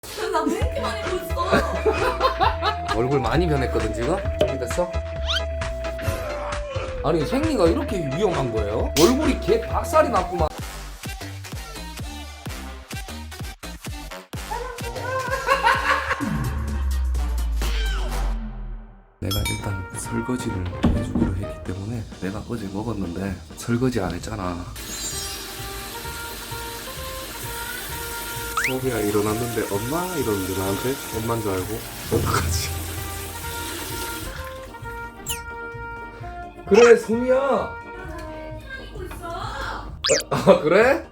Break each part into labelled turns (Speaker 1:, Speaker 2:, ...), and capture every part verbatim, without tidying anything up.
Speaker 1: 나 왜 이렇게 많이 보였어?
Speaker 2: 얼굴 많이 변했거든 지금? 됐어? 아니 생리가 이렇게 위험한 거예요? 얼굴이 개 박살이 났구만. 내가 일단 설거지를 해주기로 했기 때문에 내가 어제 먹었는데 설거지 안 했잖아. 소미야 일어났는데 엄마 이러는데 나한테 엄마인 줄 알고 어떡하지? 그래 소미야.
Speaker 1: 보고 있어.
Speaker 2: 아 그래?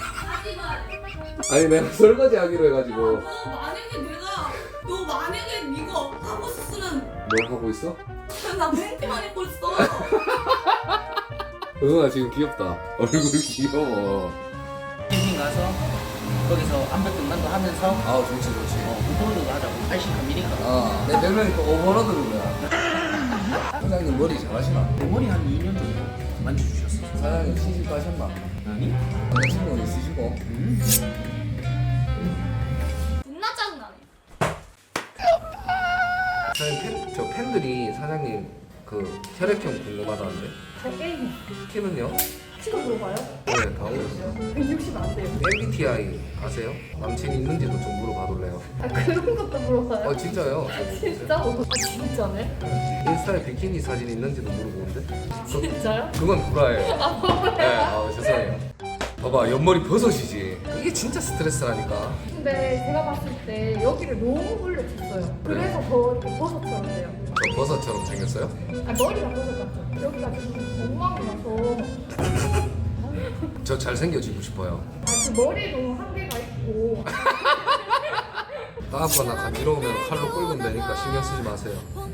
Speaker 2: 아니 내가 설거지 하기로 해가지고.
Speaker 1: 너 만약에 내가 너 만약에 이거 하고 있으면
Speaker 2: 뭘 하고 있어?
Speaker 1: 나 왜 이렇게 많이 보였어?
Speaker 2: 응아 지금 귀엽다. 얼굴 귀여워.
Speaker 3: 캠핑 가서 거기서 암벽등반도 하면서
Speaker 2: 아 좋지 좋지.
Speaker 3: 어, 오버로드도 하자고. 팔십 컴이니까.
Speaker 2: 아, 내 별명이 또 오버로드는 거야. 사장님 머리 잘하시나?
Speaker 3: 머리 한 이 년 정도 만져주셨어.
Speaker 2: 사장님 시집 가셨나?
Speaker 3: 아니?
Speaker 2: 남자친구 있으시고?
Speaker 3: 음.
Speaker 1: 존나 짜증나네.
Speaker 2: 사장님 팬, 저 팬들이 사장님 그 혈액형 궁금하다는데
Speaker 1: 저 게임
Speaker 2: 키는요?
Speaker 1: 치고 물어봐요?
Speaker 2: 네 다 오셨어요.
Speaker 1: 백육십 안 돼요.
Speaker 2: 엠비티아이 아세요? 남친 있는지도 좀 물어봐둘래요?
Speaker 1: 아 그런 것도 물어봐요?
Speaker 2: 아 진짜요?
Speaker 1: 진짜? 아 진짜네?
Speaker 2: 인스타에 비키니 사진 있는지도 물어보는데?
Speaker 1: 진짜요?
Speaker 2: 그건 구라예요. 네, 아 죄송해요. 봐봐 옆머리 버섯이지. 이게 진짜 스트레스라니까.
Speaker 1: 근데 제가 봤을 때 여기를 너무 올려쳤어요. 그래서 더 이렇게 버섯처럼 돼요.
Speaker 2: 저 버섯처럼 생겼어요?
Speaker 1: 아 머리가 버섯 같죠? 여기가 좀 엉망이 나서
Speaker 2: 저 잘생겨지고 싶어요.
Speaker 1: 아그 머리도 한계가 있고
Speaker 2: 다음번에 간지러우면 칼로 끌면 되니까 신경 쓰지 마세요.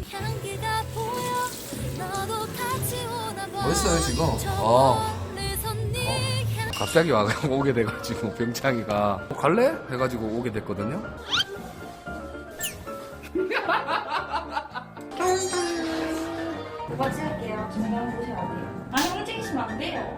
Speaker 2: 멋있어요 지금. 아, 어. 갑자기 와 오게 돼가지고 병창이가 어, 갈래? 해가지고 오게 됐거든요.
Speaker 1: 오빠 찍을게요. 저랑 보셔야 돼요. 아니 움직이시면 안 돼요.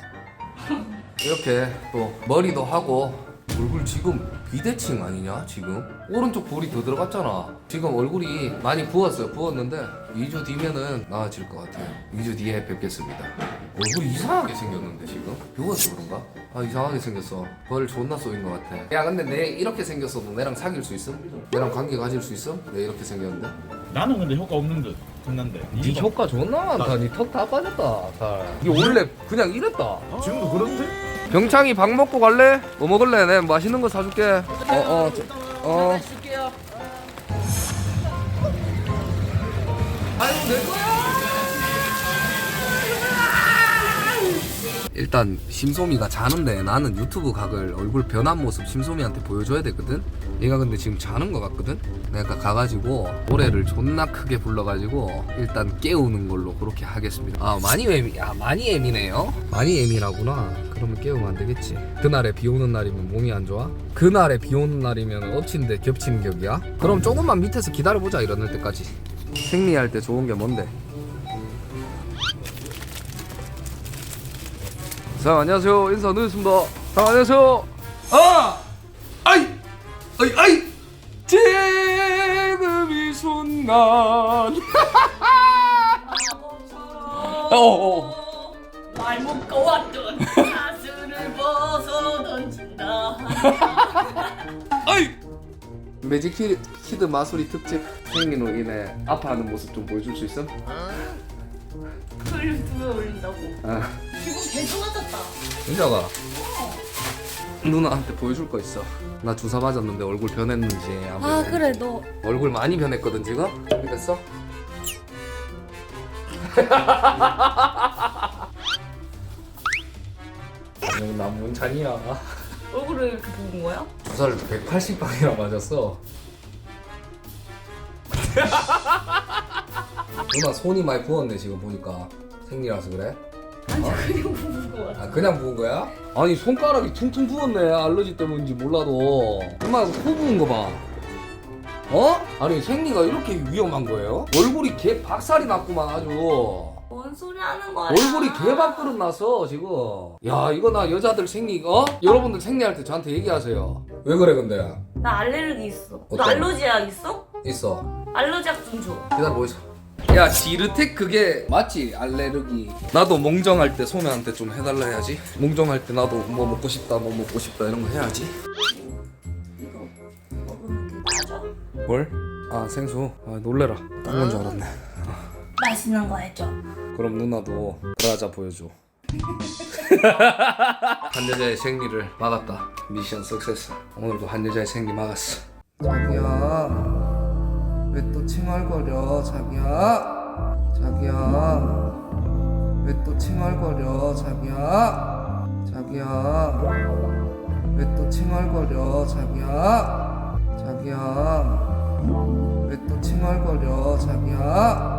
Speaker 2: 이렇게 또 머리도 하고 얼굴 지금 비대칭 아니냐 지금? 오른쪽 볼이 더 들어갔잖아. 지금 얼굴이 많이 부었어요. 부었는데 이 주 뒤면은 나아질 것 같아요. 이 주 뒤에 뵙겠습니다. 얼굴이 이상하게 생겼는데 지금? 비워서 그런가? 아 이상하게 생겼어. 벌 존나 쏘인 것 같아. 야 근데 내 이렇게 생겼어도 내랑 사귈 수 있음? 내랑 관계 가질 수 있음? 내 이렇게 생겼는데?
Speaker 4: 나는 근데 효과 없는 듯 끝난데.
Speaker 2: 네 효과 존나 많다. 네 턱 다 빠졌다. 살. 이게 원래 그냥 이랬다.
Speaker 4: 지금도 그런데?
Speaker 2: 병창이 밥 먹고 갈래? 뭐 먹을래? 내가 맛있는 거 사줄게. 어어 어. 아유 내 거야. 일단 심소미가 자는데 나는 유튜브 각을 얼굴 변한 모습 심소미한테 보여줘야 되거든. 얘가 근데 지금 자는 것 같거든. 내가 가가지고 노래를 존나 크게 불러가지고 일단 깨우는 걸로 그렇게 하겠습니다. 아 많이 예미, 아 많이 예민해요? 많이 예민하구나. 그러면 깨우면 안 되겠지. 그날에 비 오는 날이면 몸이 안 좋아? 그날에 비 오는 날이면 엎친 데 겹치는 격이야? 그럼 조금만 밑에서 기다려보자 일어날 때까지. 생리할 때 좋은 게 뭔데? 자 안녕하세요. 인사 드리겠습니다. 자 안녕하세요. 아! 아이! 아이 아이! 지금 이 순간 어어
Speaker 1: 말 먹고 왔던 가슴을 벗어 던진다.
Speaker 2: 아이! 매직 키, 키드 마술이 특집 생리로 인해 아파하는 모습 좀 보여줄 수 있음?
Speaker 1: 소리를 두배 올린다고.
Speaker 2: 아
Speaker 1: 지금 개 좋아졌다.
Speaker 2: 은자가 누나한테 보여줄 거 있어. 나 주사 맞았는데 얼굴 변했는지 한번.
Speaker 1: 아 그래 너
Speaker 2: 얼굴 많이 변했거든 지금? 준비됐어? 난 문찬이야.
Speaker 1: 얼굴을 이렇게 부은 거야?
Speaker 2: 주사를 백팔십 방이나 맞았어. 누나 손이 많이 부었네 지금 보니까. 생리라서 그래?
Speaker 1: 아니
Speaker 2: 어?
Speaker 1: 그냥 부은 거야.
Speaker 2: 아 그냥 부은 거야? 아니 손가락이 퉁퉁 부었네. 알러지 때문인지 몰라도. 엄마 코 부은 거 봐. 어? 아니 생리가 이렇게 위험한 거예요? 얼굴이 개 박살이 났구만 아주.
Speaker 1: 뭔 소리 하는 거야?
Speaker 2: 얼굴이 개밥그릇 났어 지금. 야 이거 나 여자들 생리 어? 여러분들 생리할 때 저한테 얘기하세요. 왜 그래 근데?
Speaker 5: 나 알레르기 있어. 너
Speaker 2: 어떤?
Speaker 5: 알러지약 있어?
Speaker 2: 있어.
Speaker 5: 알러지약 좀 줘.
Speaker 2: 기다려 보이소. 야 지르텍 그게 맞지? 알레르기. 나도 몽정할 때 소매한테 좀 해달라 해야지. 몽정할 때 나도 뭐 먹고 싶다 뭐 먹고 싶다 이런 거 해야지.
Speaker 5: 이거 먹으면 괜찮아?
Speaker 2: 뭘? 아 생수. 아 놀래라. 딴 건 줄 알았네.
Speaker 5: 맛있는 거 해줘.
Speaker 2: 그럼 누나도 브라자 보여줘. 한 여자의 생리를 막았다. 미션 석세스. 오늘도 한 여자의 생리 막았어. 자기야 왜 또 칭얼거려 자기야. 자기야 왜 또 칭얼거려 자기야. 자기야 왜 또 칭얼거려 자기야. 자기야 왜 또 칭얼거려 자기야.